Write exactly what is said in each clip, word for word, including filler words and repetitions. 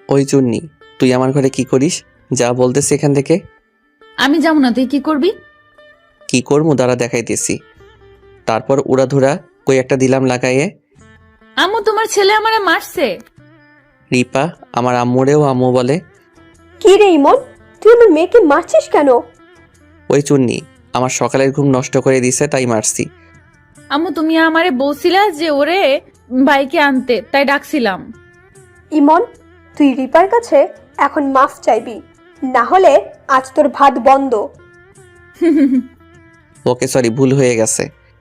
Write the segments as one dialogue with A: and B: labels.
A: ওই চুন্নি, তুই আমার ঘরে কি করিস? যা বলতেছি এখান থেকে।
B: আমি যাবো না, তুই কি করবি?
A: কি করবো দাঁড়া দেখাইতেছি। তারপর উড়াধুরা কই একটা দিলাম লাগাইয়ে।
B: আম্মু, তোমার ছেলে আমারে মারছে।
A: রিপা আমার আম্মুরেও আম্মু বলে।
C: কি রে ইমন, তুই আমার মেয়েকে মারছিস কেন?
A: ওই চুন্নি আমার সকালের ঘুম নষ্ট করে দিছে, তাই মারছি।
B: আম্মু, তুমি আমারে বলছিলা যে ওরে বাইকে আনতে, তাই ডাকছিলাম।
C: ইমন, তুই রিপার কাছে এখন মাফ চাইবি, না হলে আজ তোর ভাত বন্ধ।
A: ওকে সরি, ভুল হয়ে গেছে।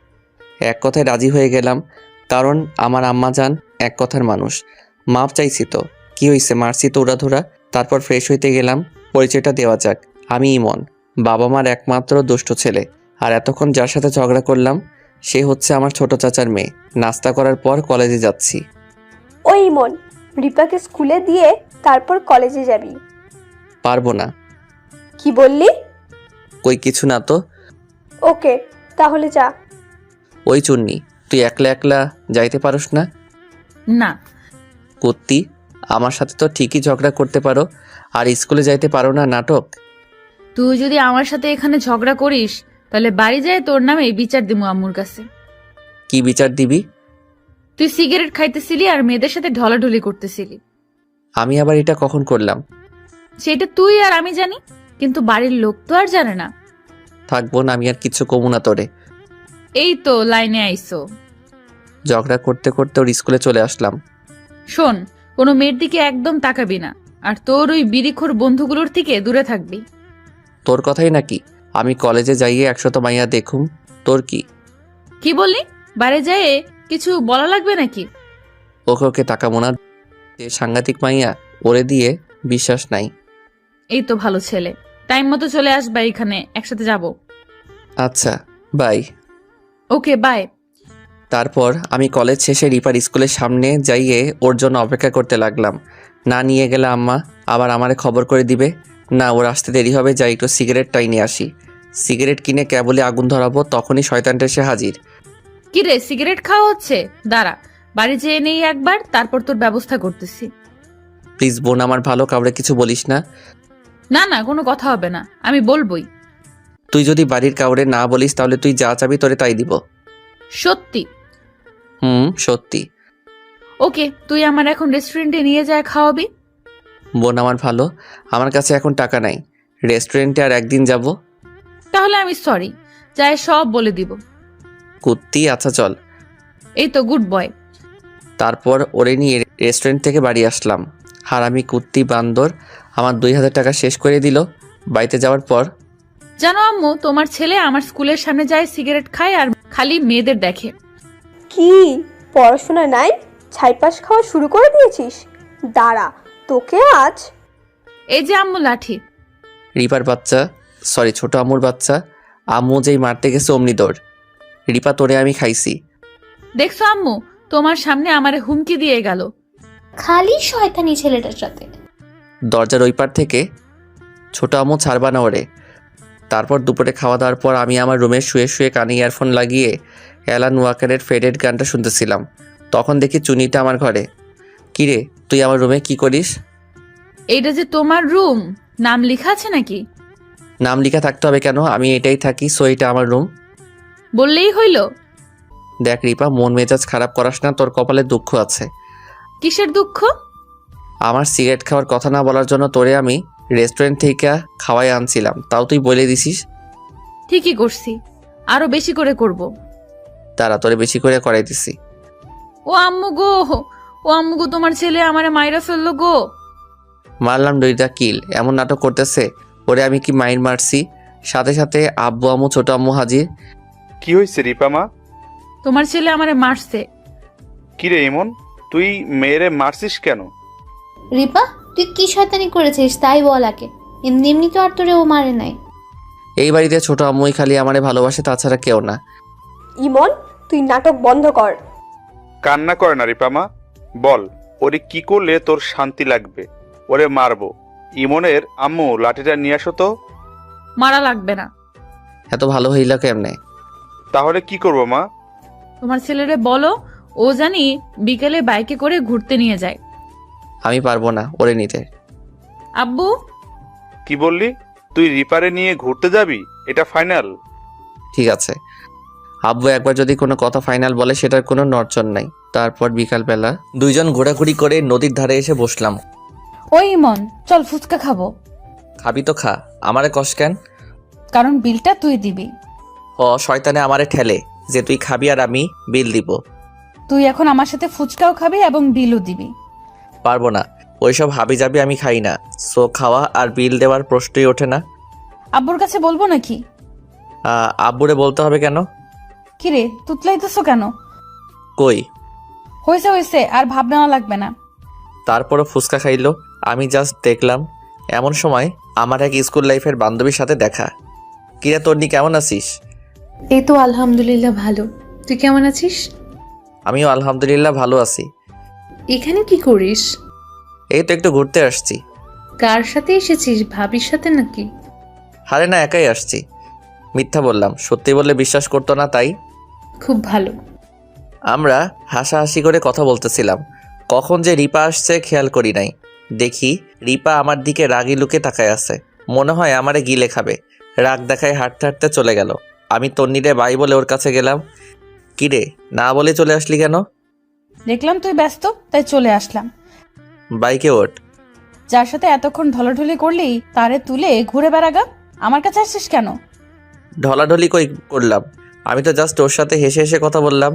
A: এক কথায় রাজি হয়ে গেলাম, কারণ আমার আম্মা জান এক কথার মানুষ। মাপ চাইছি তো কি হয়েছে, মারছি তো উড়াধুরা। তারপর ফ্রেশ হইতে গেলাম। পরিচয়টা দেওয়া যাক, আমি ইমন, বাবা মার একমাত্র দুষ্ট ছেলে। আর এতক্ষণ যার সাথে ঝগড়া করলাম সে হচ্ছে আমার ছোট চাচার মেয়ে। নাস্তা করার পর কলেজে যাচ্ছি।
C: ওই ইমন, রিপাকে স্কুলে দিয়ে তারপর কলেজে যাবি।
A: পারবো না।
C: কি বললি?
A: কই কিছু না তো।
C: ওকে, তাহলে যা।
A: ওই চুন্নি, তুই একলা একলা যাইতে পারোস না?
B: না।
A: কুত্তি, আমার সাথে তো ঠিকই ঝগড়া করতে পারো, আর স্কুলে যাইতে পারো না, নাটক।
B: তুই যদি আমার সাথে এখানে ঝগড়া করিস তাহলে বাড়ি যায় তোর নামে বিচার দিমু আম্মুর কাছে।
A: কি বিচার দিবি?
B: তুই সিগারেট খাইতেছিলি আর মেয়েদের সাথে ঢলাঢলি করতেছিলি।
A: আমি আবার এটা কখন করলাম?
B: সেটা তুই আর আমি জানি, কিন্তু বাড়ির লোক তো আর জানে না।
A: থাকবো না, আমি আর কিছু কমু না তোরে।
B: এই তো লাইনে আইসো।
A: ঝগড়া করতে করতে ওর স্কুলে চলে আসলাম।
B: শোন, কোনো মেয়ের দিকে একদম তাকাবি না, আর তোর ওই বিড়িখোর বন্ধুগুলোর থেকে দূরে থাকবি।
A: তোর কথাই নাকি আমি কলেজে যাইয়ে একশত মাইয়া দেখুম? তোর কি?
B: কি বললি? বাড়ি যায় কিছু বলা লাগবে নাকি?
A: ওকে ওকে তাকাবো না, যে সাংঘাতিক মাইয়া, ওরে দিয়ে বিশ্বাস নাই।
B: এই তো ভালো ছেলে, টাইম মতো চলে আসবা, এখানে একসাথে যাব।
A: আচ্ছা বাই।
B: Okay bye.
A: তারপর আমি কলেজ শেষে রিপার স্কুলের সামনে যাইয়ে ওর জন্য অপেক্ষা করতে লাগলাম। না নিয়ে গেলে আম্মা আবার আমারে খবর করে দিবে। না, ওর আসতে দেরি হবে, যাই একটু সিগারেটটাই নিয়ে আসি। সিগারেট কিনে কেবলই আগুন ধরাবো, তখনই শয়তানটা এসে হাজির।
B: কি রে, সিগারেট খাওয়া হচ্ছে? দাঁড়া, বাড়ি যেয়ে নেই একবার, তারপর তোর ব্যবস্থা করতেছি।
A: প্লিজ বোন, আমার ভালো, কাউরে কিছু বলিস না।
B: না না, কোনো কথা হবে না, আমি বলবোই।
A: তুই যদি বাড়ির কাউরে না বলিস তাহলে তুই যা চাবি তোরে তাই দিব।
B: সত্যি?
A: হুম সত্যি।
B: ওকে, তুই আমার এখন রেস্টুরেন্টে নিয়ে যায় খাওয়াবি।
A: বোন আমার ভালো, আমার কাছে এখন টাকা নাই। রেস্টুরেন্টে আর একদিন যাব।
B: তাহলে আমি সরি, যায় সব বলে দিব।
A: কুত্তি, আচ্ছা চল।
B: এই তো গুড বয়।
A: তারপর ওরে নিয়ে রেস্টুরেন্ট থেকে বাড়ি আসলাম। হারামি কুত্তি বান্দর আমার দুই হাজার টাকা শেষ করে দিল। বাড়িতে যাওয়ার পর
B: জানো আম্মু, তোমার ছেলে আমার স্কুলের সামনে যায়, সিগারেট খায় আর খালি মেয়েদের দেখে।
C: কি পড়াশোনা নাই, ছাইপাস খাওয়া শুরু করে দিয়েছিস? দাঁড়া, তোকে আজ।
B: এই যে আম্মু লাঠি।
A: রিপার বাচ্চা, সরি ছোট আম্মুর বাচ্চা, আম্মু যেই মারতে গেছে অমনি দৌড়। রিপা তোরে আমি খাইছি।
B: দেখছো আম্মু, তোমার সামনে আমারে হুমকি দিয়ে গেল।
D: খালি শয়তানি ছেলেটার সাথে।
A: দরজার ওই পার থেকে, ছোট আম্মু ছাড়বা না ওরে। তারপর দুপুরে খাওয়া দাওয়ার পর আমি আমার রুমে শুয়ে শুয়ে কানে ইয়ারফোন লাগিয়ে অ্যালান ওয়াকারের ফেডেড গানটা শুনতেছিলাম। তখন দেখি চুনিটা আমার ঘরে। কিরে, তুই আমার রুমে কি করিস?
B: এইটা যে তোমার রুম, নাম লেখা আছে নাকি?
A: নাম লেখা থাকতে হবে কেন? আমি এটাই থাকি, সো এটা আমার রুম।
B: বললেই হইল।
A: দেখ রিপা, মন মেজাজ খারাপ করাস না, তোর কপালে দুঃখ আছে।
B: কিসের দুঃখ?
A: আমার সিগারেট খাওয়ার কথা না বলার জন্য তোরে আমি রেস্টুরেন্ট থেকে খাওয়াই আনছিলাম, তাও তুই বলে দিছিস।
B: ঠিকই করছি, আরো বেশি করে করব।
A: তারা তোরে বেশি করে করাই দিছি।
B: ও আম্মু গো, ও আম্মু গো, তোমার ছেলে আমারে মাইরা ফেললো গো।
A: মারলাম দুইটা কিল, এমন নাটক করতেছে। ওরে আমি কি মাইর মারছি? সাথে সাথে আব্বু আম্মু ছোট আম্মু হাজির।
E: কি হয়েছে রিপা মা?
B: তোমার ছেলে আমারে মারছে।
E: কিরে ইমন, তুই মেয়েরে মারছিস কেন?
D: রিপা, তুই কি শয়তানি করেছিস তাই বল আগে। এমনি এমনি তো আর তোরে ও মারে নাই।
A: এই বাড়িতে ছোট আম্মুই খালি আমারে ভালোবাসে, তাছাড়া কেউ না।
C: ইমন, তুই নাটক বন্ধ কর।
E: কান্না করে না রিপা মা, বল ওরে কি করলে তোর শান্তি লাগবে? ওরে মারবো। ইমনের আম্মু লাঠিটা নিয়ে আসো তো।
B: মারা লাগবে না।
A: এত ভালো হইল কেমনে?
E: তাহলে কি করবো মা?
B: তোমার ছেলেরে বলো ও জানি বিকেলে বাইকে করে ঘুরতে নিয়ে যায়।
A: আমি পারবো না ওরে নিতে।
B: আব্বু,
E: কি বললি? তুই রিপারে নিয়ে ঘুরতে যাবি? এটা ফাইনাল?
A: ঠিক আছে, আব্বু একবার যদি কোনো কথা ফাইনাল বলে সেটার কোনো নড়চড় নাই। তারপর বিকালবেলা দুইজন ঘোরাঘুরি করে নদীর ধারে এসে বসলাম।
B: ওই ইমন, চল ফুচকা খাবো।
A: খাবি তো খা, আমারে কষ কেন?
B: কারণ বিলটা তুই দিবি।
A: ও শয়তানে আমারে ঠেলে যে তুই খাবি আর আমি বিল দিব।
B: তুই এখন আমার সাথে ফুচকাও খাবি এবং বিলও দিবি।
A: পারবো না, ওইসব হাবি যাবি আমি খাই না। সো খাওয়া আর বিল দেওয়ার প্রশ্নই ওঠে না।
B: আব্বুর কাছে বলবো নাকি?
A: আহ, আব্বুরে বলতে হবে কেন?
B: কিরে তুতলাইতেছো কেন?
A: কই?
B: হয়েছে হয়েছে, আর ভাব নেওয়া লাগবে না।
A: তারপরও ফুচকা খাইলো। আমি জাস্ট দেখলাম। এমন সময় আমার এক স্কুল লাইফের বান্ধবীর সাথে দেখা। কিরে তন্নি, কেমন আছিস?
F: এই তো আলহামদুলিল্লাহ ভালো। তুই কেমন আছিস?
A: আমিও আলহামদুলিল্লাহ ভালো আছি।
F: এখানে কি করিস?
A: এই তো একটু ঘুরতে আসছি।
F: কার সাথে এসেছিস? ভাবির সাথে নাকি?
A: হারে না, একাই আসছি। মিথ্যা বললাম, সত্যি বললে বিশ্বাস করতো না, তাই।
F: খুব ভালো।
A: আমরা হাসাহাসি করে কথা বলতেছিলাম। কখন যে রিপা আসছে খেয়াল করি নাই। দেখি রিপা আমার দিকে রাগি লুকে তাকায় আছে। মনে হয় আমারে গিলে খাবে। রাগ দেখায় হাঁটতে হাঁটতে চলে গেল। আমি তন্নিরে বাই বলে ওর কাছে গেলাম। কিরে, না বলে চলে আসলি কেন?
B: দেখলাম তুই ব্যস্ত, তাই চলে আসলাম।
A: বাইকে ওঠ।
B: যার সাথে এতক্ষণ ঢলাঢলি করলি তারে তুলে ঘুরে বেড়াগা। আমার কাছে আসছিস কেন?
A: ঢলাঢলি কই করলাম? আমি তো জাস্ট ওর সাথে হেসে হেসে কথা বললাম।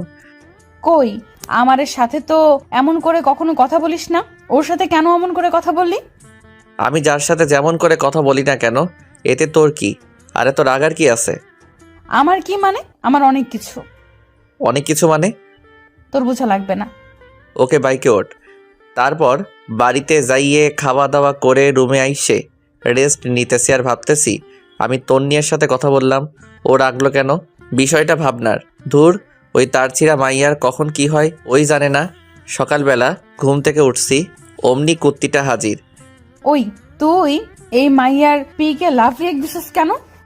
B: কই, আমারের সাথে তো এমন করে কখনো কথা বলিস না। ওর সাথে কেন এমন করে কথা বললি?
A: আমি যার সাথে যেমন করে কথা বলি না কেন, এতে তোর কি? আরে তোর রাগার কি আছে?
B: আমার কি মানে? আমার অনেক কিছু।
A: অনেক কিছু মানে?
B: তোর বোঝা লাগবে না।
A: ওকে, বাইকে ওঠ। তারপর বাড়িতে যাইয়ে খাওয়া দাওয়া করে রুমে আইসে রেস্ট নিতেছি আর ভাবতেছি আমি তন্নিয়ের সাথে কথা বললাম, ও রাগলো কেন? বিষয়টা ভাবনার। ধুর, ওই তার ছিঁড়া মাইয়ার কখন কি হয় ওই জানে না। সকালবেলা ঘুম থেকে উঠছি, অমনি কুত্তিটা হাজির।
B: ওই তুই এই মাইয়ার পিকে লাভ রিয়েক্ট দিছিস কেন?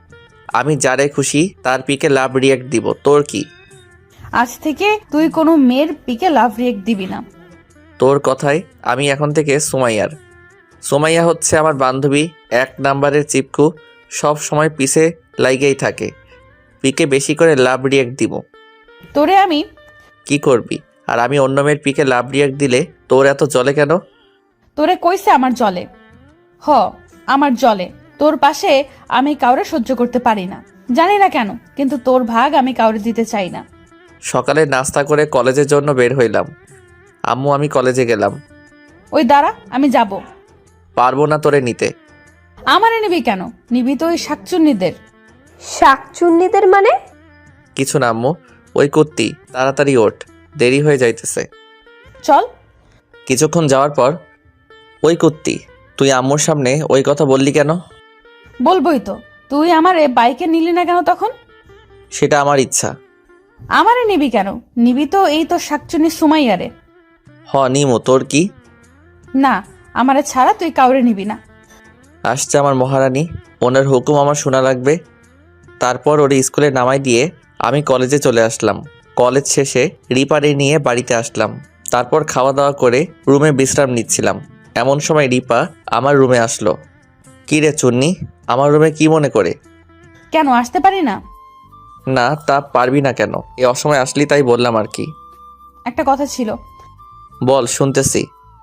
A: আমি যারে খুশি তার পিকে লাভ রিয়াক্ট দিব, তোর কি?
B: আজ থেকে তুই কোনো মেয়ের পিকে লাভ রিয়েক্ট দিবি না।
A: তোর কথায় আমি এখন থেকে সুমাইয়ার। সুমাইয়া হচ্ছে আমার বান্ধবী, এক নাম্বারের চিপকু। সব সময় পিছে লাইগেই থাকে। পিকে বেশি করে লাভ রিয়াক্ট দিব।
B: তোরে আমি
A: কি করবি? আর আমি অন্য মেয়ের পিকে লাভ রিয়াক্ট দিলে তোর এত জলে কেন?
B: তোরে কইছে আমার জলে। হ, আমার জলে। তোর পাশে আমি কাউরে সহ্য করতে পারি না, জানি না কেন, কিন্তু তোর ভাগ আমি কাউরে দিতে চাই না।
A: সকালে নাস্তা করে কলেজের জন্য বের হইলাম। আম্মু, আমি কলেজে গেলাম।
B: ওই দাঁড়া, আমি যাব।
A: পারবো না তোরে নিতে।
B: আমারে নিবি কেন? নিবি তো ওই শাকচুন্নিদের।
C: শাকচুন্নিদের মানে?
A: কিছু না আম্মু, ওই কুত্তি। তাড়াতাড়ি ওঠ, দেরি হয়ে যাইতেছে।
B: চল।
A: কিছুক্ষণ যাওয়ার পর, ওই কুত্তি, তুই আম্মুর সামনে ওই কথা বললি কেন?
B: বলবোই তো। তুই আমারে বাইকে নিলি না কেন তখন?
A: সেটা আমার ইচ্ছা।
B: আমারে নিবি কেন? নিবি তো এই তো শাকচুন্নি সুমাইয়ারে।
A: হ নিমো, তোর কি?
B: না, আমারে ছাড়া তুই কাউরে নিবি না।
A: আসছে আমার মহারানী, ওনার হুকুম আমার শোনা লাগবে। তারপর ওরে স্কুলে নামাই দিয়ে আমি কলেজে চলে আসলাম। কলেজ শেষে রিপারে নিয়ে বাড়িতে আসলাম। তারপর খাওয়া দাওয়া করে রুমে বিশ্রাম নিচ্ছিলাম। এমন সময় রিপা আমার রুমে আসলো। কি রে চুন্নি, আমার রুমে কি মনে করে?
B: কেন আসতে পারি না?
A: না, তা পারবি না কেন? এ অসময় আসলি তাই বললাম আর কি।
B: একটা কথা ছিল।
A: বল, শুনতেছি।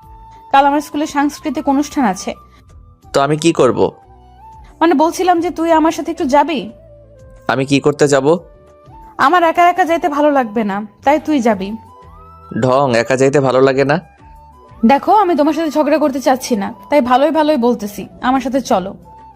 B: কাল আমার স্কুলে সাংস্কৃতিক অনুষ্ঠান আছে।
A: তো আমি কি করব?
B: মানে বলছিলাম যে তুই আমার সাথে একটু যাবি।
A: আমি কি করতে যাব?
B: আমার একা একা যাইতে ভালো লাগবে না, তাই তুই যাবি।
A: ঢং, একা যাইতে ভালো লাগে না।
B: দেখো, আমি তোমার সাথে ঝগড়া করতে চাচ্ছি না, তাই ভালোই ভালোই বলতেছি, আমার সাথে চলো।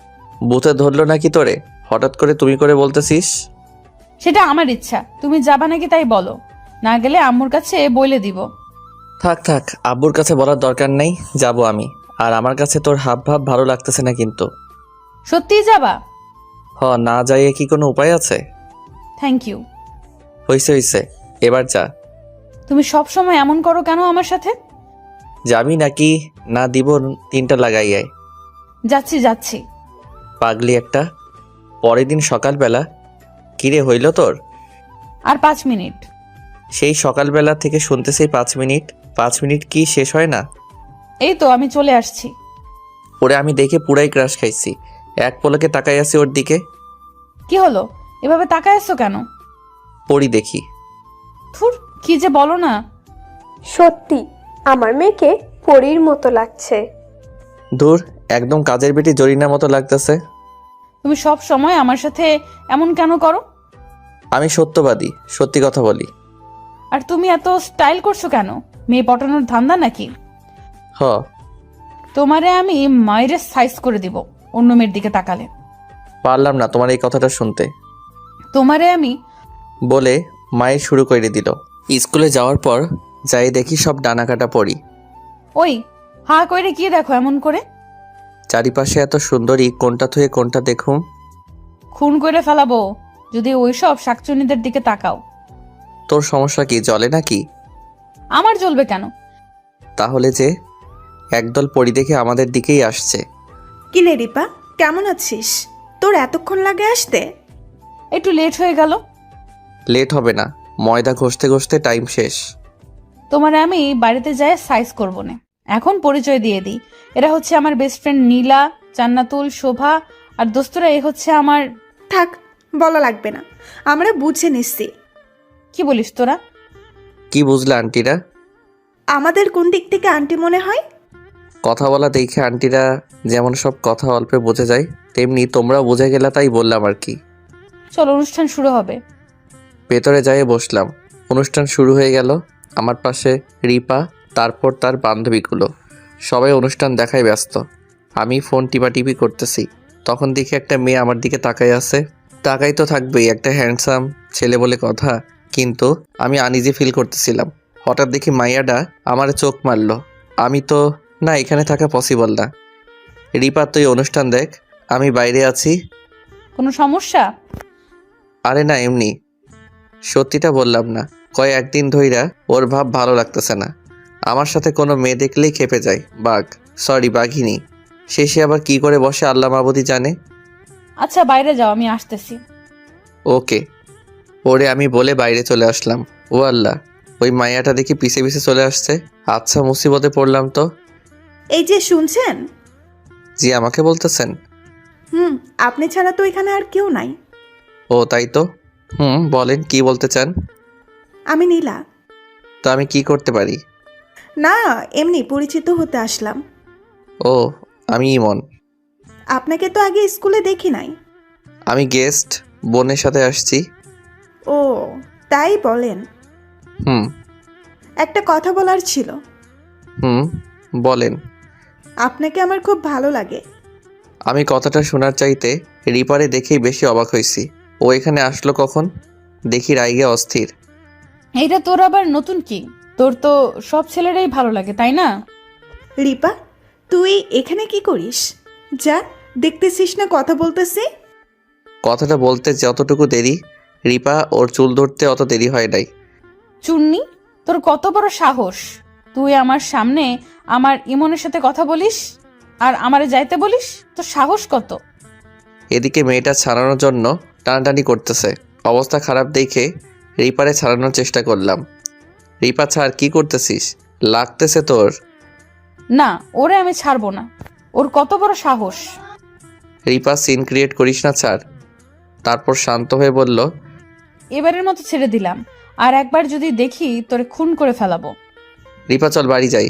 A: বুথে ধরলো নাকি তোরে? হঠাৎ করে তুমি করে বলতেছিস।
B: সেটা আমার ইচ্ছা, তুমি যাবা নাকি তাই বলো। না গেলে আম্মুর কাছে বলে দিব।
A: থাক থাক, আব্বুর কাছে বলার দরকার নেই, যাব আমি। আর আমার কাছে তোর হাব ভাব ভালো লাগতেছে না কিন্তু।
B: সত্যিই যাবা?
A: হ, না যাইয়ে কি কোনো উপায় আছে?
B: Thank you.
A: হইছে হইছে, এবার যা।
B: তুমি সব সময় এমন করো কেন আমার সাথে?
A: যাবি নাকি না দিব তিনটা লাগাইয়াই?
B: যাচ্ছি যাচ্ছি।
A: পাগলি একটা। পরের দিন সকালবেলা, কিরে হইল তোর?
B: আর পাঁচ মিনিট।
A: সেই সকালবেলা থেকে শুনতেছি পাঁচ মিনিট। পাঁচ মিনিট কি শেষ হয় না?
B: এই তো আমি চলে আসছি।
A: ওরে আমি দেখে পুরাই ক্রাশ খাইছি। এক পলকে তাকাই আছি ওর দিকে।
B: কি হলো, এভাবে তাকায় আছো কেন?
A: পড়ি দেখি।
B: থুর, কি যে বলো না।
C: সত্যি আমার মেয়েকে পরীর মতো লাগছে।
A: ধুর, একদম কাজের বেটি জরিনার মতো লাগতেছে।
B: তুমি সব সময় আমার সাথে এমন কেন করো?
A: আমি সত্যবাদী, সত্যি কথা বলি।
B: আর তুমি এত স্টাইল করছো কেন? মেয়ে পটানোর ধান্দা নাকি?
A: হ।
B: তোমারে আমি মায়ের সাইজ করে দিব অন্য মেয়ের দিকে তাকালে।
A: পারলাম না তোমার এই কথাটা শুনতে।
B: তোমারে আমি
A: বলে মায়ের শুরু করে দিল। স্কুলে যাওয়ার পর যাই দেখি সব ডানা কাটা পড়ি।
B: ওই হা কইরে কি দেখো এমন করে?
A: চারিপাশে এত সুন্দরী, কোনটা থুয়ে কোনটা দেখুম।
B: খুন করে ফেলাবো যদি ওইসব শাকচুনিদের দিকে তাকাও।
A: তোর সমস্যা কি, জলে নাকি?
B: আমার জ্বলবে কেন?
A: তাহলে যে একদল পরি দেখে আমাদের দিকেই আসছে।
G: কি রে রিপা, কেমন আছিস? তোর এতক্ষণ লাগে আসতে?
B: একটু লেট হয়ে গেল।
A: লেট হবে না, ময়দা ঘষতে ঘষতে টাইম শেষ।
B: তোমারে আমি বাড়িতে যাই সাইজ করবো না। এখন পরিচয় দিয়ে দিই, এরা হচ্ছে আমার বেস্ট ফ্রেন্ড নীলা, জান্নাতুল, শোভা আর দোস্তরা এই হচ্ছে আমার।
G: থাক, বলা লাগবে না, আমরা বুঝে নিচ্ছি।
B: কি বলিস তোরা?
A: কি বুঝলে আন্টিরা?
G: আমাদের কোন দিক থেকে আন্টি মনে হয়?
A: কথা বলা দেখে আন্টিরা যেমন সব কথা অল্পে বোঝা যায়, তেমনি তোমরাও বুঝে গেলা, তাই বললাম আর কি।
B: চল, অনুষ্ঠান শুরু হবে।
A: ভেতরে যাই বসলাম। অনুষ্ঠান শুরু হয়ে গেল। আমার পাশে রিপা, তারপর তার বান্ধবীগুলো। সবাই অনুষ্ঠান দেখায় ব্যস্ত। আমি ফোন টিপাটিপি করতেছি। তখন দেখি একটা মেয়ে আমার দিকে তাকাই আছে। তাকাই তো থাকবেই, একটা হ্যান্ডসাম ছেলে বলে কথা। কিন্তু আমি আনইজি ফিল করতেছিলাম। হঠাৎ দেখি মাইয়াডা আমার চোখ মারলো। আমি তো না, এখানে থাকা পসিবল না। রিপা, তুই অনুষ্ঠান দেখ, আমি বাইরে আছি।
B: কোনো সমস্যা?
A: আরে না, এমনি। সত্যিটা বললাম না, কয় একদিন ধইরা ওর ভাব ভালো লাগতেছে না। আমার সাথে কোনো মেয়ে দেখলেই খেপে যায়। বাঘ, সরি বাঘিনী। শেষে আবার কি করে বসে আল্লাহ মাবুদি জানে।
B: আচ্ছা বাইরে যাও, আমি আসতেছি।
A: ওকে। ওরে আমি বলে বাইরে চলে আসলাম। ও আল্লাহ, ওই মাইয়াটা দেখি পিছে পিছে চলে আসছে। আচ্ছা, মুসিবতে পড়লাম তো।
G: এই যে শুনছেন?
A: জি, আমাকে বলতেছেন?
G: হুম, আপনি ছাড়া তো এখানে আর কেউ নাই।
A: ও তাই তো। হুম, বলেন কি বলতে চান?
G: আমি নীলা।
A: তো আমি কি করতে পারি?
G: না, এমনি পরিচিত হতে আসলাম।
A: ও, আমি ইমন।
G: আপনাকে তো আগে স্কুলে দেখি নাই।
A: আমি গেস্ট, বোনের সাথে আসছি।
G: ও তাই বলেন।
A: হুম।
G: একটা কথা বলার ছিল।
A: হুম, বলেন।
G: আপনাকে আমার খুব ভালো লাগে।
A: আমি কথাটা শোনার চাইতে রিপারে দেখেই বেশি অবাক হয়েছি। ও এখানে আসলো কখন? দেখি রাইগে অস্থির।
B: এইটা তোর আবার নতুন কি? তোর তো সব ছেলেরাই ভালো লাগে, তাই না?
G: রিপা, তুই এখানে কি করিস? যা, দেখতেছিস না কথা বলতেছি।
A: কথাটা বলতে যতটুকু দেরি, রিপা ওর চুল ধরতে অত দেরি হয় নাই।
B: চুন্নি, তোর কত বড় সাহস! তুই আমার সামনে আমার ইমনের সাথে কথা বলিস আর আমারে যাইতে বলিস? তোর সাহস কত?
A: এদিকে মেয়েটা ছাড়ানোর জন্য টানাটানি করতেছে। অবস্থা খারাপ দেখে রিপারে ছাড়ানোর চেষ্টা করলাম। রিপা ছাড়, কি করতেছিস? লাগতেছে তোর।
B: না, ওরে আমি ছাড়বো না। ওর কত বড় সাহস!
A: রিপা, সিন ক্রিয়েট করিস না, ছাড়। তারপর শান্ত হয়ে বলল,
B: এবারের মতো ছেড়ে দিলাম, আর একবার যদি দেখি তোরে খুন করে ফেলাবো।
A: রিপা চল বাড়ি যাই।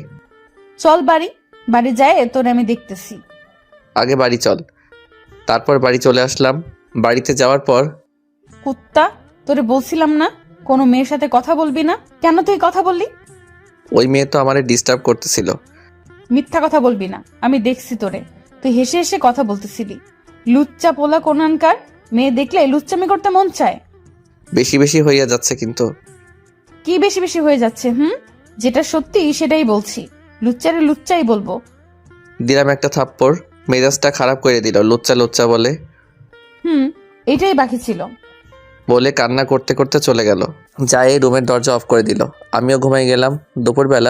B: চল বাড়ি। বাড়ি যায় তোরে আমি দেখতেছি।
A: আগে বাড়ি চল। তারপর বাড়ি চলে আসলাম। বাড়িতে যাওয়ার পর
B: কুত্তা, তোরে বলছিলাম না কোনো মেয়ের সাথে কথা বলবি না? কেন তুই কথা বললি?
A: ওই মেয়ে তো আমারে ডিস্টার্ব করতেছিল।
B: মিথ্যা কথা বলবি না, আমি দেখছি তোরে। তুই হেসে হেসে কথা বলতেছিলি। লুচ্চা পোলা কোনানকার। মেয়ে দেখলে লুচ্চামি করতে মন চায়।
A: বেশি বেশি হইয়া যাচ্ছে কিন্তু।
B: কি বেশি বেশি হয়ে যাচ্ছে? হুম, যেটা সত্যি সেটাই বলছি। লুচ্চারে লুচ্চাই বলবো।
A: দিলাম একটা থাপ্পড়, মেজাজটা খারাপ করে দিল। লুচ্চা লুচ্চা বলে
B: হুম, এটাই বাকি ছিল।
A: বলে কান্না করতে করতে চলে গেল। যাই রুমের দরজা অফ করে দিল। আমিও ঘুমাই গেলাম। দুপুরবেলা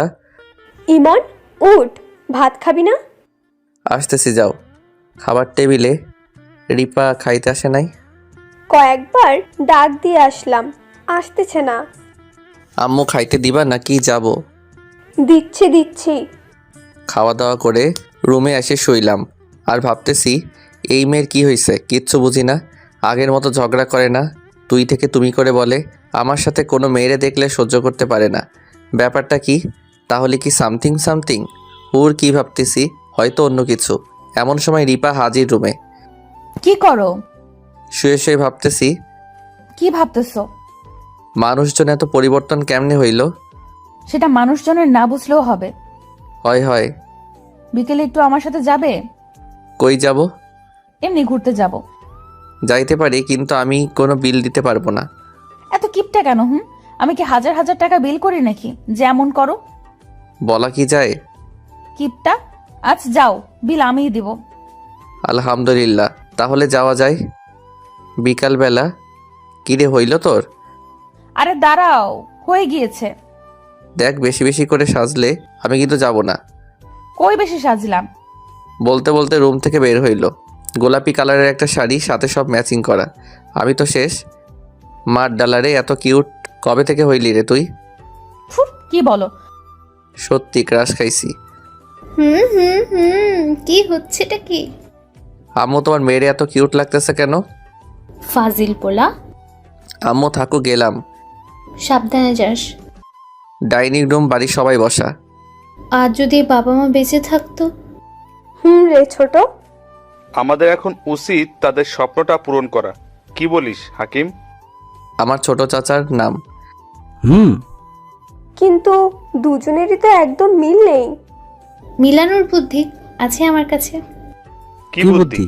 C: ইমন, উঠ, ভাত খাবি না?
A: আসতেছি, যাও। খাবার টেবিলে রিপা খাইতে আসে নাই।
C: কয়েকবার ডাক দিয়ে আসলাম, আসতেছে না।
A: আম্মু খাইতে দিবা নাকি যাব?
C: দিচ্ছি দিচ্ছি।
A: খাওয়া দাওয়া করে রুমে এসে শুইলাম আর ভাবতেছি এই মেয়ের কি হয়েছে, কিচ্ছু বুঝি না। আগের মতো ঝগড়া করে না, তুই থেকে তুমি করে বলে। আমার সাথে কোনো মেয়েরে দেখলে সহ্য করতে পারে না। ব্যাপারটা কি? তাহলে কি সামথিং সামথিং? ওর কি ভাবতেছি, হয়তো অন্য কিছু। এমন সময় রিপা হাজির রুমে।
B: কি করো?
A: শুয়ে শুয়ে ভাবতেছি
B: কি ভাবতেছো?
A: মানুষজন এত পরিবর্তন কেমনে হইল?
B: সেটা মানুষজনের না বুঝলেও হবে।
A: হয় হয়।
B: বিকেলে একটু আমার সাথে যাবে?
A: কই যাব?
B: এমনি ঘুরতে যাব।
A: যাইতে পারি, কিন্তু আমি কোনো বিল দিতে পারবো না।
B: এত কিপটা কেন? হুম, আমি কি হাজার হাজার টাকা বিল করি নাকি যেমন করো?
A: বলা কি যায়?
B: কিপটা? আজ যাও, বিল আমিই দিব।
A: আলহামদুলিল্লাহ, তাহলে যাওয়া যায়। বিকালবেলা কিরে হইল তোর?
B: আরে দাঁড়াও, হয়ে গিয়েছে।
A: দেখ, বেশি বেশি করে সাজলে আমি কিন্তু যাব না।
B: কই বেশি সাজলাম?
A: বলতে বলতে রুম থেকে বের হইল। গোলাপি কালারের একটা শাড়ি, সাথে সব ম্যাচিং করা। আমি তো শেষ। মার ডালারে, এত কিউট কবে থেকে হইলি রে তুই?
B: ফুট, কি বলো?
A: সত্যি ক্রাশ খাইছি।
D: হুম হুম হুম কি হচ্ছেটা কি?
A: আম্মু, তোমার মেয়েরে এত কিউট লাগতেছে কেন?
D: ফাজিল পোলা।
A: আম্মু থাকো, গেলাম।
D: সাবধানে যাস।
A: ডাইনিং রুম, বাড়ির সবাই বসা।
D: আর যদি বাবা মা বেঁচে থাকতো?
C: হুম রে ছোট।
E: আমাদের এখন উচিত তাদের স্বপ্নটা পূরণ করা। কি বলিস হাকিম?
A: আমার ছোট চাচার নাম।
H: হুম।
C: কিন্তু দুজনেরই তো একদম মিল নেই।
D: মিলানোর বুদ্ধি আছে আমার কাছে।
E: কি বুদ্ধি?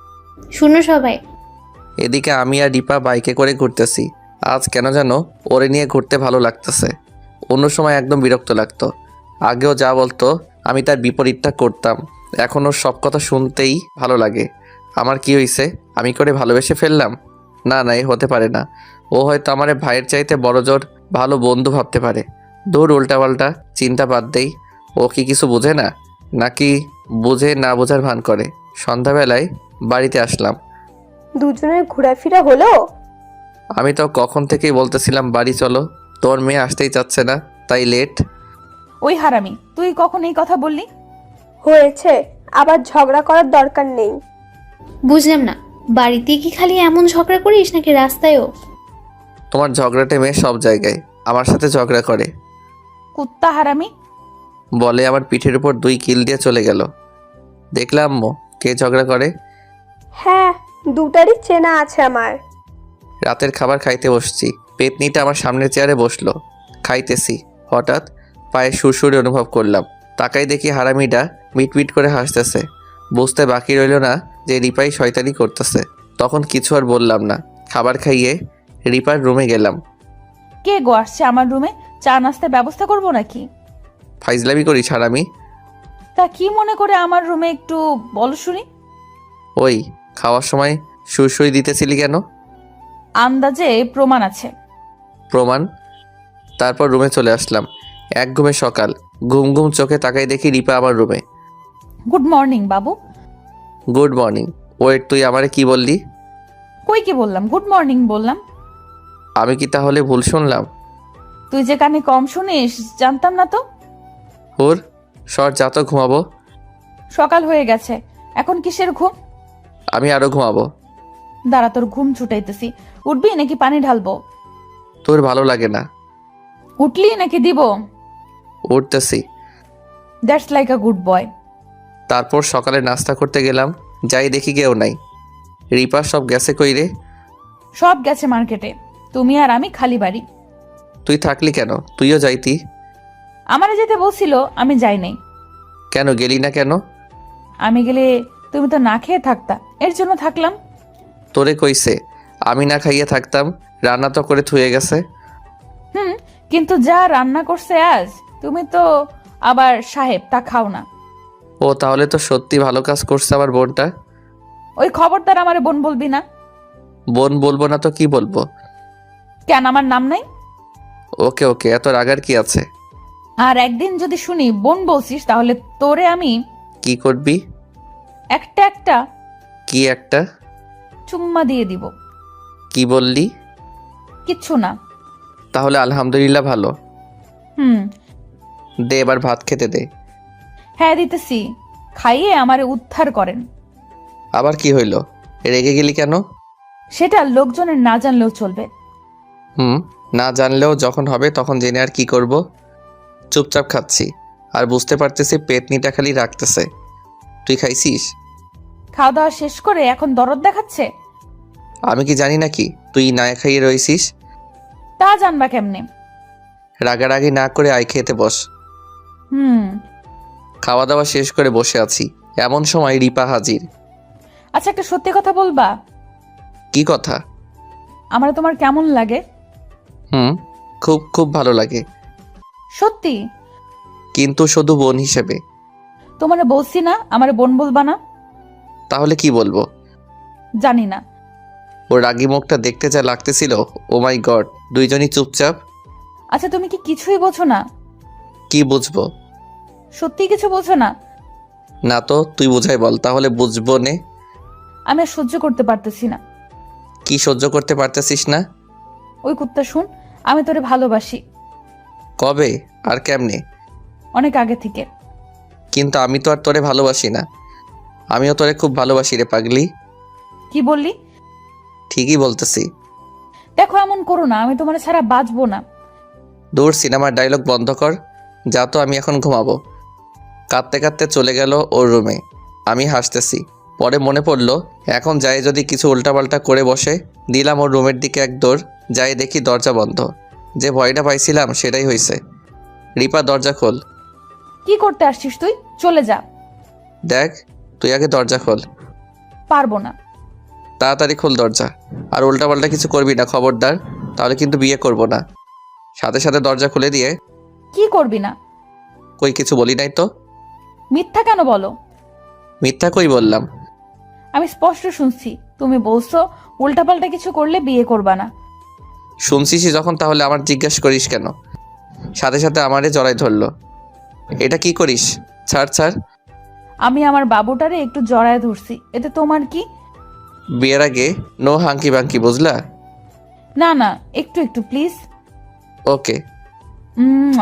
D: শুনো সবাই।
A: এদিকে আমি আর রিপা বাইকে করে ঘুরতেছি। আজ কেন যেন ওরে নিয়ে ঘুরতে ভালো লাগতেছে। অন্য সময় একদম বিরক্ত লাগতো। আগেও যা বলতো আমি তার বিপরীতটা করতাম। এখন ওর সব কথা শুনতেই ভালো লাগে। আমার কি হয়েছে? আমি করে ভালোবেসে ফেললাম? না না, এ হতে পারে না। ও হয়তো আমার ভাইয়ের চাইতে বড় জোর ভালো বন্ধু ভাবতে পারে। দূর, উল্টাপাল্টা চিন্তা বাদ দেই। ও কি কিছু বোঝে না, নাকি বুঝে না বোঝার ভান করে? সন্ধ্যাবেলায় বাড়িতে আসলাম।
C: দুজনের ঘোরাফেরা হলো?
A: আমি তো কখন থেকেই বলতেছিলাম বাড়ি চলো, তোর মেয়ে আসতেই চাচ্ছে না, তাই লেট।
B: ওই হারামি, তুই কখন এই কথা বললি?
C: হয়েছে, আবার ঝগড়া করার দরকার নেই।
D: বুঝলাম না, বাড়িতে কি খালি এমন ঝগড়া করিস নাকি রাস্তায়ও?
A: তোমার ঝগড়াটে মেয়ে সব জায়গায় আমার সাথে ঝগড়া করে।
B: কুত্তা হারামি।
A: বলে আমার পিঠের উপর দুই কিল দিয়ে চলে গেল। দেখলাম আম্মু, কে ঝগড়া করে।
C: হ্যাঁ, দুটারই চেনা আছে আমার।
A: রাতের খাবার খাইতে বসছি। পেতনিটা আমার সামনের চেয়ারে বসলো। খাইতেছি, হঠাৎ পায়ে সুরসুরি অনুভব করলাম। তাকাই দেখি হারামিটা মিটমিট করে হাসতেছে। বুঝতে বাকি রইল না যে রিপাই শয়তানি করতেছে। তখন কিছু আর বললাম না। খাবার খাইয়ে রিপার রুমে গেলাম।
B: কে গো আসছে আমার রুমে? চা নাস্তার ব্যবস্থা করবো নাকি?
A: ফাইজলামি করিস হারামি?
B: তা কি মনে করে আমার রুমে একটু বলো শুনি।
A: ওই খাওয়ার সময় সুরসুরি দিতেছিলি কেন?
B: আন্দাজে প্রমাণ আছে।
A: প্রমাণ? তারপর রুমে চলে আসলাম। এক ঘুমে সকাল। ঘুম ঘুম চোখে তাকাই দেখি রিপা আমার রুমে।
B: গুড মর্নিং বাবু।
A: Good morning. ওয়েট, তুই আমারে কি বললি?
B: কই কি বললাম? গুড মর্নিং বললাম।
A: আমি কি তাহলে ভুল শুনলাম?
B: তুই যে কানে কম শুনিস জানতাম না তো।
A: ওর সর, যা তো ঘুমাবো।
B: সকাল হয়ে গেছে, এখন কিসের ঘুম?
A: আমি আরো ঘুমাবো।
B: দাঁড়া, তোর ঘুম ছুটাইতেছি। উঠবি নাকি পানি ঢালবো?
A: তোর ভালো লাগে না?
B: উঠলি নাকি দিব?
A: উঠতেছি।
B: That's like a good boy.
A: তারপর সকালে নাস্তা করতে গেলাম। যাই দেখি কেউ নাই। রিপা সব গেছে কই রে?
B: সব গেছে মার্কেটে, তুমি আর আমি খালি বাড়ি।
A: তুই থাকলি কেন? তুইও যাইতি।
B: আমারে যেতে বলছিল, আমি যাই নাই।
A: কেন গেলি না কেন?
B: আমি গেলে তুমি তো না খেয়ে থাকতা, এর জন্য থাকলাম।
A: তোরে কইছে আমি না খাইয়ে থাকতাম? রান্না তো করে থুয়ে গেছে।
B: হুম, কিন্তু যা রান্না করছে আজ, তুমি তো আবার সাহেব, তা খাও না।
A: ও তাহলে তো সত্যি ভালো কাজ করছে আমার বোনটা।
B: ওই খবরদার আমারে বোন বলবি না।
A: বোন বলবো না তো কি বলবো?
B: কেন, আমার নাম নাই?
A: ওকে ওকে, এত রাগার কি আছে?
B: আর একদিন যদি শুনি বোন বলছিস, তাহলে তোরে আমি
A: কি করবি?
B: একটা একটা
A: কি একটা?
B: চুম্মা দিয়ে দিব।
A: কি বললি?
B: কিচ্ছু না।
A: তাহলে আলহামদুলিল্লাহ ভালো।
B: হুম।
A: দে এবার ভাত খেতে দে।
B: হ্যাঁ দিতেছি, খাইয়ে আমারে উদ্ধার করেন।
A: আবার কি হইল? রেগে গেলি কেন?
B: সেটা লোকজনের না জানলেও চলবে।
A: হুম, না জানলেও যখন হবে তখন জেনে আর কি করব? চুপচাপ খাচ্ছি, আর বুঝতে পারতেছি পেতনিটা খালি রাখতেছে। তুই খাইছিস?
B: খাওয়া দাওয়া শেষ করে এখন দরদ দেখাচ্ছে।
A: আমি কি জানি নাকি তুই না খাইয়ে রইছিস?
B: তা জানবা কেমনে?
A: রাগারাগি না করে আয় খেতে বস।
B: হুম।
A: খাওয়া দাওয়া শেষ করে বসে আছি, এমন সময় রিপা হাজির।
B: আচ্ছা, একটা সত্যি কথা বলবা?
A: কি কথা?
B: আমার তোমার কেমন লাগে?
A: হুম, খুব খুব ভালো লাগে,
B: সত্যি?
A: কিন্তু শুধু বোন হিসেবে।
B: তোমারে বলছি না আমারে বোন বলবা না?
A: তাহলে কি বলবো?
B: জানি না।
A: ওর রাগি মুখটা দেখতে যা লাগতেছিল, ও মাই গড। দুইজনই চুপচাপ।
B: আচ্ছা, তুমি কি কিছুই বোঝো না?
A: কি বুঝবো?
B: সত্যি কিছু বোঝো না?
A: না তো, তুই বুঝাই বল, তাহলে বুঝবো নে।
B: আমি আর সহ্য করতে পারতেছি না।
A: কি সহ্য করতে পারতেছিস না?
B: ওই কুত্তা শুন, আমি তোরে ভালোবাসি।
A: কবে আর কেমনে?
B: অনেক আগে থেকে।
A: কিন্তু আমি তো আর তোরে ভালোবাসি না। আমিও তোরে খুব ভালোবাসি রে পাগলি।
B: কি বললি?
A: ঠিকই বলতেছি।
B: দেখো, এমন করো না, আমি তোমার ছাড়া বাঁচবো না।
A: দূর, সিনেমার ডায়লগ বন্ধ কর। যা তো, আমি এখন ঘুমাবো। কাঁদতে কাঁদতে চলে গেল ওর রুমে। আমি হাসতেছি। পরে মনে পড়লো, এখন যাই যদি কিছু উল্টাপাল্টা করে বসে। দিলাম ওর রুমের দিকে এক দৌড়। যাই দেখি দরজা বন্ধ। যে ভয়টা পাইছিলাম সেটাই হয়েছে। রিপা, দরজা খোল।
B: কি করতে আসছিস তুই? চলে যা।
A: দেখ, তুই আগে দরজা খোল।
B: পারবো না।
A: তাড়াতাড়ি খোল দরজা। আর উল্টাপাল্টা কিছু করবি না, খবরদার। তাহলে কিন্তু বিয়ে করব না। সাথে সাথে দরজা খুলে দিয়ে।
B: কি করবি না?
A: কই কিছু বলি নাই তো।
B: মিথ্যা কেন বলো?
A: মিথ্যা কই বললাম?
B: আমি স্পষ্ট শুনছি তুমি বলছো উল্টাপাল্টা কিছু করলে বিয়ে করবা না।
A: শুনছিসই যখন, তাহলে আমার জিজ্ঞেস করিস কেন? সাথে সাথে আমারে জড়াই ধরলো। এটা কি করিস? ছাড় ছাড়।
B: আমি আমার বাবুটারে একটু জড়ায় ধরছি, এতে তোমার কি?
A: বিয়ের আগে নো হাঙ্কি বাঙ্কি, বুঝলা?
B: না না, একটু একটু প্লিজ।
A: ওকে।
B: উম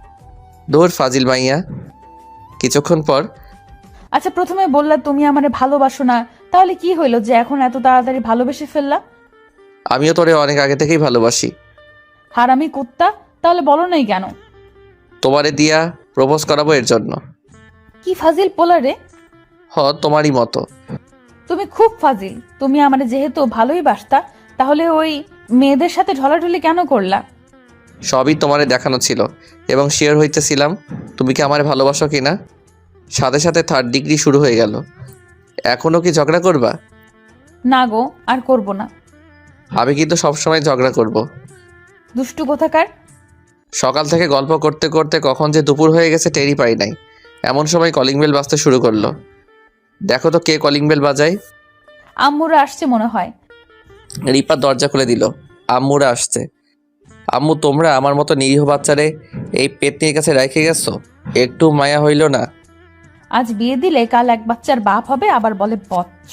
A: দূর ফাজিল মাইয়া। কিছুক্ষণ পর।
B: আচ্ছা, প্রথমে বললা তুমি আমারে ভালোবাসো না, তাহলে কি হইলো যে এখন এত তাড়াতাড়ি ভালোবেসে ফেললা?
A: আমিও তোরে অনেক আগে থেকেই ভালোবাসি।
B: হারামি কুত্তা, তাহলে বলো নাই কেন?
A: তোমারে দিয়া প্রপোজ করাবো এর জন্য।
B: কি ফাজিল পোলা রে!
A: হ, তোমারই মতো।
B: তুমি খুব ফাজিল। তুমি আমারে যেহেতু ভালোই বাসতা, তাহলে ওই মেয়েদের সাথে ঢলাঢলি কেন করলা?
A: সবই তোমারে দেখানো ছিল, এবং শিওর হইতেছিলাম তুমি কি আমারে ভালোবাসো কিনা। সাথে সাথে থার্ড ডিগ্রি শুরু হয়ে গেল। এখনও কি ঝগড়া করবা?
B: না গো, আর করব না।
A: আমি কিন্তু সবসময় ঝগড়া করব।
B: দুষ্টু কোথাকার!
A: সকাল থেকে গল্প করতে করতে কখন যে দুপুর হয়ে গেছে টেরই পাই নাই। এমন সময় কলিং বেল বাজতে শুরু করলো। দেখো তো কে কলিং বেল বাজায়।
B: আম্মুরা আসছে মনে হয়।
A: রিপা দরজা খুলে দিল। আম্মুরা আসছে। আম্মু, তোমরা আমার মতো নিরীহ বাচ্চারে এই পেতনির কাছে রেখে গেছো? একটু মায়া হইল না?
B: আজ বিয়ে দিলে কাল এক বাচ্চার বাপ হবে, আবার বলে বচ্চ।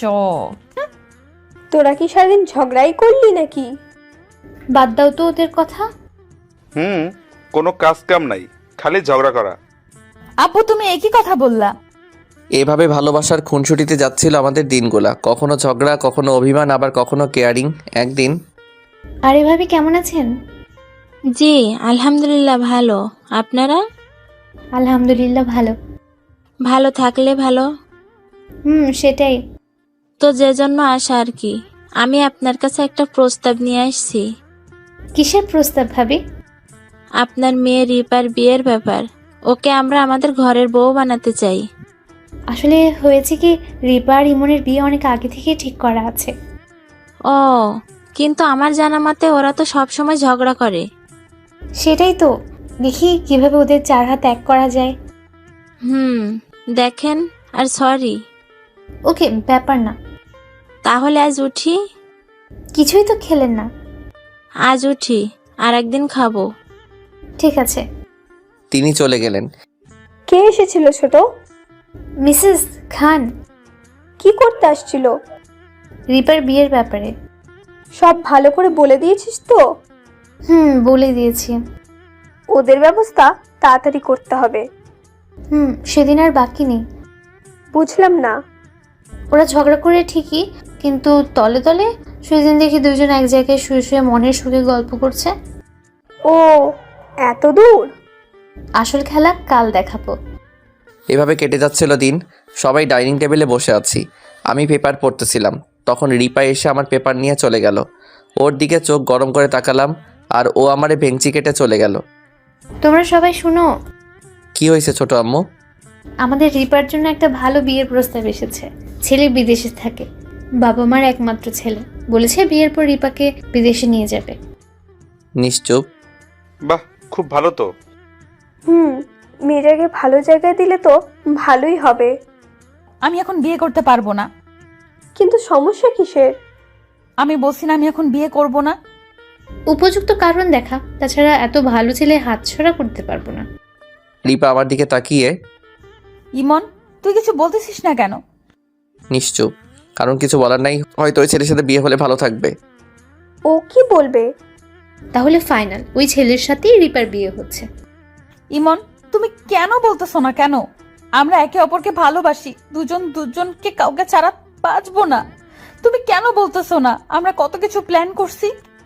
C: তোরা কি সারাদিন ঝগড়াই করলি নাকি?
D: বাদ দাও তো ওদের কথা।
E: হুম, কোনো কাজ কাম নাই, খালি ঝগড়া করা।
B: আব্বু, তুমি একই কথা বললা।
A: এভাবে ভালোবাসার খুনসুটিতে যাচ্ছিল আমাদের দিনগুলা। কখনো ঝগড়া, কখনো অভিমান, আবার কখনো কেয়ারিং। একদিন।
D: আরে ভাবি, কেমন আছেন?
H: জি আলহামদুলিল্লাহ ভালো। আপনারা?
D: আলহামদুলিল্লাহ ভালো।
H: ভালো থাকলে ভালো।
D: হুম, সেটাই।
H: তো যে জন্য আসা আর কি, আমি আপনার কাছে একটা প্রস্তাব নিয়ে আসছি।
D: কিসের প্রস্তাব ভাবি?
H: আপনার মেয়ে রিপার বিয়ের ব্যাপার। ওকে আমরা আমাদের ঘরের বউ বানাতে চাই।
D: আসলে হয়েছে কি, রিপা আর ইমনের বিয়ে অনেক আগে থেকে ঠিক করা আছে।
H: ও, কিন্তু আমার জানা মতে ওরা তো সব সময় ঝগড়া করে।
D: সেটাই তো, দেখি কিভাবে ওদের চার হাত এক করা যায়।
H: হুম, দেখেন। আর সরি।
D: ওকে, ব্যাপার না।
H: তাহলে আজ উঠি?
D: কিছুই তো খেলেন না।
H: আজ উঠি, আর একদিন খাবো।
D: ঠিক আছে।
A: তিনি চলে গেলেন।
C: কে এসেছিল ছোট?
D: মিসেস খান।
C: কি করতে আসছিল?
D: রিপার বিয়ের ব্যাপারে।
C: সব ভালো করে বলে দিয়েছিস তো?
D: হুম, বলে দিয়েছি।
C: ওদের ব্যবস্থা তাড়াতাড়ি করতে হবে।
D: হুম, সেদিন আর বাকি নেই।
C: বুঝলাম না।
D: ওরা ঝগড়া করে ঠিকই, কিন্তু তলে তলে সেদিন দেখি দুজন এক জায়গায় শুয়ে শুয়ে মনের সুখে গল্প করছে।
C: ও, এত দূর?
D: আসল খেলা কাল দেখাবো।
A: এভাবে কেটে যাচ্ছিল দিন। সবাই ডাইনিং টেবিলে বসে আছি, আমি পেপার পড়তেছিলাম। তখন রিপা এসে আমার পেপার নিয়ে চলে গেল। ওর দিকে চোখ গরম করে তাকালাম, আর ও আমারে ভেঙচি কেটে চলে গেল।
D: তোমরা সবাই শুনো,
A: কি হয়েছে ছোট আম্মু?
D: আমাদের রিপার জন্য একটা ভালো বিয়ের প্রস্তাব এসেছে। ছেলে বিদেশে থাকে, বাবা মার একমাত্র ছেলে। বলেছে বিয়ের পর রিপাকে বিদেশে নিয়ে যাবে।
A: নিশ্চুপ।
E: বাহ, খুব ভালো তো।
C: হুম, মেয়েটাকে ভালো জায়গায় দিলে তো ভালোই হবে।
B: আমি এখন বিয়ে করতে পারবো না।
C: কিন্তু সমস্যা কিসের?
B: আমি বলছি না আমি এখন বিয়ে করব না।
D: উপযুক্ত কারণ দেখা, তাছাড়া এত ভালো ছেলে হাতছাড়া করতে পারবো না।
A: রিপা আমার দিকে তাকিয়ে,
B: ইমন, তুই কিছু বলতেছিস না কেন?
A: নিশ্চুপ। কারণ কিছু বলার নাই, হয়তো ওই ছেলের সাথে বিয়ে হলে ভালো থাকবে।
C: ও কি বলবে?
D: তাহলে ফাইনাল, ওই ছেলের সাথেই রিপার বিয়ে হচ্ছে।
B: ইমন, তুমি কেন বলতেছো না কেন? আমরা একে অপরকে ভালোবাসি, দুজন দুজনকে কাউকে ছাড়া বাঁচবো না। তুমি কেন বলতেছো না? আমরা কত কিছু প্ল্যান করছি।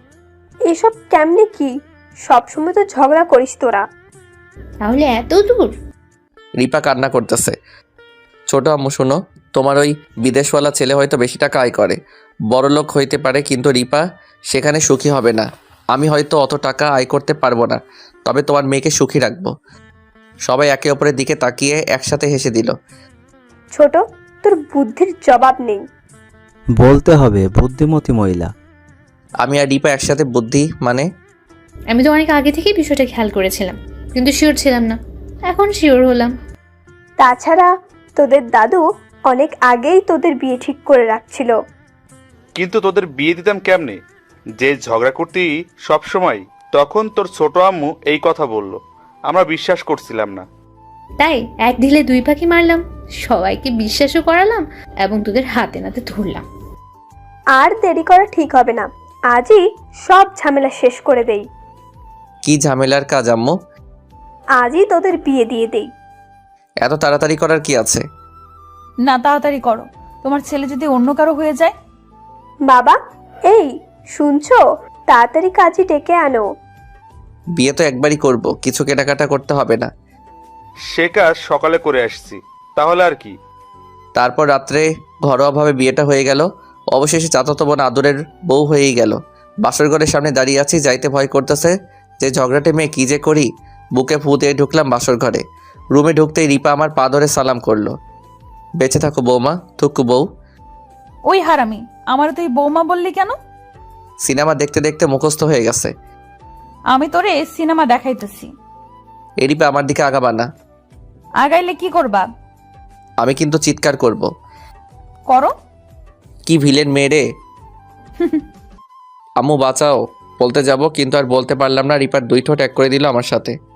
C: এসব কেমনে কি? সবসময় তো ঝগড়া করিস তোরা।
D: তাহলে এত দূর?
A: রিপা কান্না করতেছে। ছোট আম্মু শোনো, তোমার ওই বিদেশওয়ালা ছেলে হয়তো বেশি টাকা আয় করে, বড়লোক হইতে পারে, কিন্তু রিপা সেখানে সুখী হবে না। আমি হয়তো অত টাকা আয় করতে পারবো না, তবে তোমার মেয়েকে সুখী রাখবো। সবাই একে অপরের দিকে তাকিয়ে একসাথে হেসে দিল।
C: ছোট, তোর বুদ্ধির জবাব নেই।
I: বলতে হবে বুদ্ধিমতী মহিলা।
A: আমি আর রিপা একসাথে বুদ্ধি মানে?
D: আমি তো অনেক আগে থেকেই বিষয়টা খেয়াল করেছিলাম, কিন্তু শিওর ছিলাম না। এখন শিওর হলাম।
C: তাছাড়া তোদের দাদু অনেক আগেই তোদের বিয়ে ঠিক করে রাখছিল।
E: কিন্তু তোদের বিয়ে দিতাম কেমনে? যে ঝগড়া করতি সব সময়, তখন তোর ছোট আম্মু এই কথা বলল, আমরা বিশ্বাস করছিলাম না।
D: তাই এক ঢিলে দুই পাখি মারলাম, সবাইকে বিশ্বাসও করালাম এবং তোদের হাতে নাতে ধরলাম।
C: আর দেরি করা ঠিক হবে না, আজই সব ঝামেলা শেষ করে দেই।
A: কি ঝামেলার কাজ আম্মু?
C: আজই তোদের বিয়ে দিয়ে দেই।
A: এত তাড়াতাড়ি করার কি আছে?
B: না, তাড়াতাড়ি করো, তোমার ছেলে যদি অন্য কারো হয়ে যায়।
C: বাবা, এই শুনছো? তাড়াতাড়ি কাজই ডেকে আনো।
A: বিয়ে তো একবারই করব, কিছু কেনাকাটা করতে হবে না।
E: সে কাজ সকালে করে আসছি, তাহলে আর কি।
A: তারপর রাত্রে ঘরোয়াভাবে বিয়েটা হয়ে গেল। অবশেষে চাচাতো বোন আদরের বউ হয়েই গেল। বাসর ঘরের সামনে দাঁড়িয়ে আছি, যাইতে ভয় করতেছে যে ঝগড়াটে মেয়ে কী যে করি। বুকে ফু দিয়ে ঢুকলাম বাসর ঘরে। রুমে ঢুকতেই রিপা আমার পা ধরে সালাম করলো। বেঁচে থাকো বৌমা, থুকু বউ।
B: ওই হারামি, আমার তুই বৌমা বললি কেন?
A: সিনেমা দেখতে দেখতে মুখস্থ হয়ে গেছে।
B: আমি তোরে সিনেমা দেখাইতেছি।
A: এ রিপা আমার দিকে আগাবা না।
B: আগাইলে কি করবা?
A: আমি কিন্তু চিৎকার করব।
B: করো।
A: কি ভিলেন মেয়ে রে! আম্মু বাঁচাও বলতে যাব, কিন্তু আর বলতে পারলাম না। রিপার দুই ঠোঁট এক করে দিল আমার সাথে।